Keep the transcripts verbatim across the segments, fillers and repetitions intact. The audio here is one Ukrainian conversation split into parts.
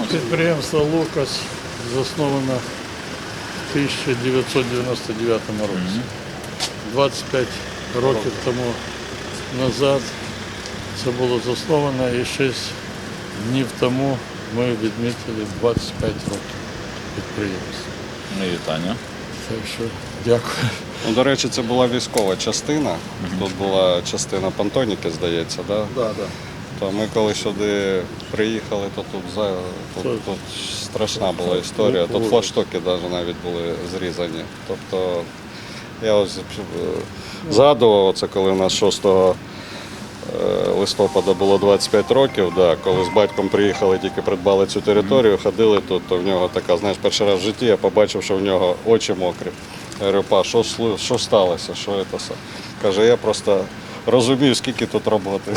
Підприємство «Лукас» засновано в тисяча дев'ятсот дев'яносто дев'ятому році. двадцять п'ять років тому назад це було засновано, і шість днів тому ми відмітили двадцять п'ять років підприємства. Ну, вітання. Так що дякую. Ну, до речі, це була військова частина. Mm-hmm. Тут була частина понтоніки, здається, да? Да, да. То ми коли сюди приїхали, то тут, за, тут, тут страшна була історія. Тут флагштоки навіть були зрізані. Тобто я ось згадував, оце коли у нас шостого листопада було двадцять п'ять років, да, коли з батьком приїхали, тільки придбали цю територію, ходили тут, то в нього така, знаєш, перший раз в житті я побачив, що в нього очі мокрі. Я говорю, па, що, що сталося, що це все? Каже, я просто розумію, скільки тут роботи.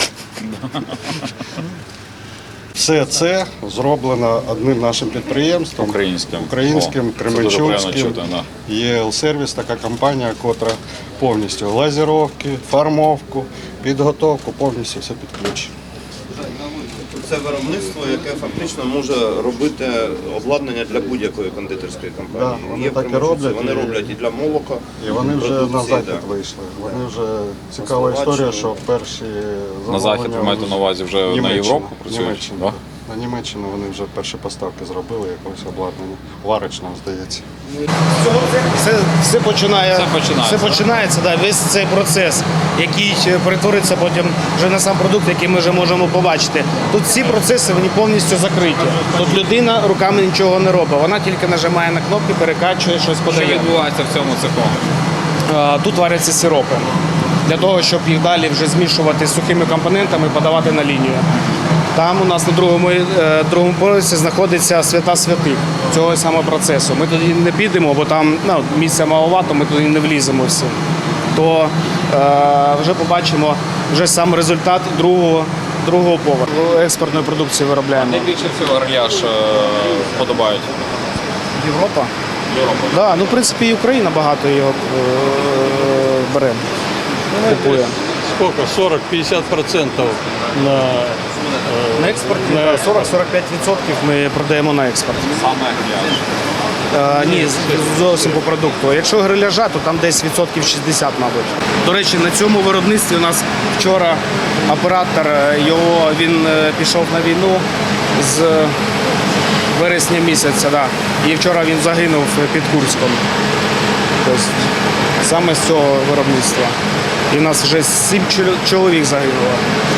Все це зроблено одним нашим підприємством, Українським, українським, кременчуцьким. ЄЛ-сервіс, така компанія, котра повністю лазеровки, фармовку, підготовку, повністю все під ключ. Це виробництво, яке фактично може робити обладнання для будь-якої кондитерської компанії. Да, вони Є так і примусовці, роблять, вони і- роблять і для молока. І вони вже на продукції, захід да. вийшли. Вони вже цікава історія, що перші На захід ви маєте на увазі вже на Німеччина. Європу працюють? Німеччина. Да? На Німеччину вони вже перші поставки зробили, якогось обладнання. Варочного, здається. Все, все, починає, Все починається, все починається, да, весь цей процес, який перетвориться потім вже на сам продукт, який ми вже можемо побачити. Тут всі процеси вони повністю закриті. Тут людина руками нічого не робить, вона тільки нажимає на кнопки, перекачує, щось Що подає. відбувається в цьому цеху? А, Тут варяться сиропи для того, щоб їх далі вже змішувати з сухими компонентами і подавати на лінію. Там у нас на другому, е, другому поверсі знаходиться свята святих цього самого процесу. Ми туди не підемо, бо там ну, місця маловато, ми туди не вліземо всі. То е, вже побачимо вже сам результат другого, другого поверху. Експортної продукції виробляємо. Найбільше всього гриляш е, подобають? Європа? Європа. Да, ну, в принципі, і Україна багато його е, бере, купує. Сколько? сорок-п'ятдесят процентів на, На експорті на сорок-сорок п'ять відсотків ми продаємо на експорт. Саме гриляш. Е, ні, з- зовсім по продукту. Якщо гриляжа, то там десь відсотків шістдесят, мабуть. До речі, на цьому виробництві у нас вчора оператор, е, його, він е, пішов на війну з вересня місяця, да. І вчора він загинув під Курськом. Тобто, саме з цього виробництва. І в нас вже сім чол- чоловік загинуло.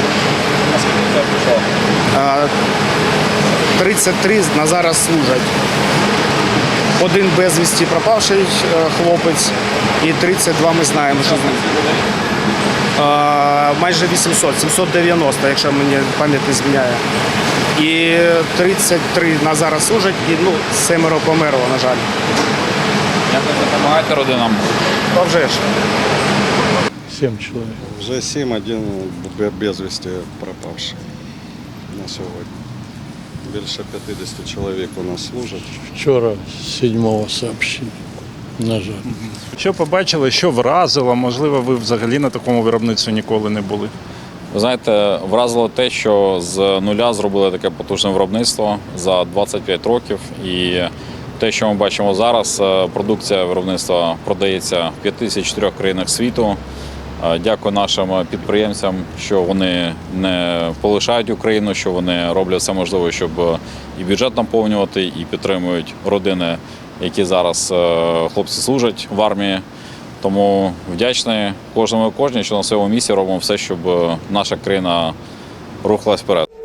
Е, тридцять три на зараз служать. Один безвісті пропавший е, хлопець і тридцять два ми знаємо, що з ним. Е, Майже вісімсот, сімсот дев'яносто, якщо мені пам'ять не зміняє. І тридцять три на зараз служать, і ну, семеро померло, на жаль. Як ви допомагаєте родинам? А вже ж. сім чоловік. Вже сім, один безвісті пропавший на сьогодні. Більше п'ятдесят чоловік у нас служать. Вчора сьомого сообщення, на жаль. Що побачили, що вразило? Можливо, ви взагалі на такому виробництві ніколи не були. Ви знаєте, вразило те, що з нуля зробили таке потужне виробництво за двадцять п'ять років. І те, що ми бачимо зараз, продукція виробництва продається в п'ятдесят чотирьох країнах світу. Дякую нашим підприємцям, що вони не полишають Україну, що вони роблять все можливе, щоб і бюджет наповнювати, і підтримують родини, які зараз хлопці служать в армії. Тому вдячний кожному і кожній, що на своєму місці робимо все, щоб наша країна рухалась вперед.